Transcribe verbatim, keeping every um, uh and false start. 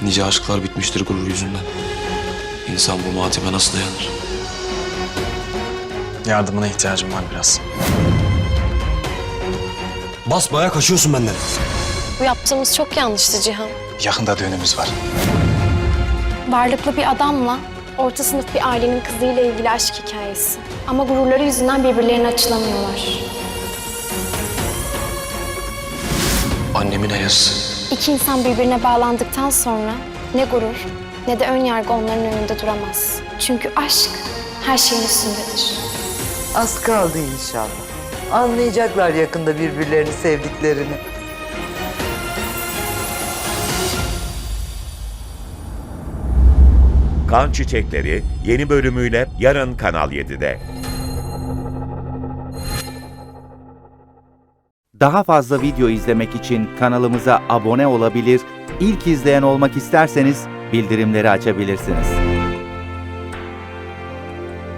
Nice aşklar bitmiştir gurur yüzünden. İnsan bu matime nasıl dayanır? Yardımına ihtiyacım var biraz. Basbayağı kaçıyorsun benden. Bu yaptığımız çok yanlıştı Cihan. Yakında düğünümüz var. Varlıklı bir adamla orta sınıf bir ailenin kızıyla ilgili aşk hikayesi. Ama gururları yüzünden birbirlerine açılamıyorlar. Annemin ayası. İki insan birbirine bağlandıktan sonra ne gurur ne de ön yargı onların önünde duramaz. Çünkü aşk her şeyin üstündedir. Az kaldı inşallah. Anlayacaklar yakında birbirlerini sevdiklerini. Kan Çiçekleri yeni bölümüyle yarın Kanal yedide. Daha fazla video izlemek için kanalımıza abone olabilir, ilk izleyen olmak isterseniz bildirimleri açabilirsiniz.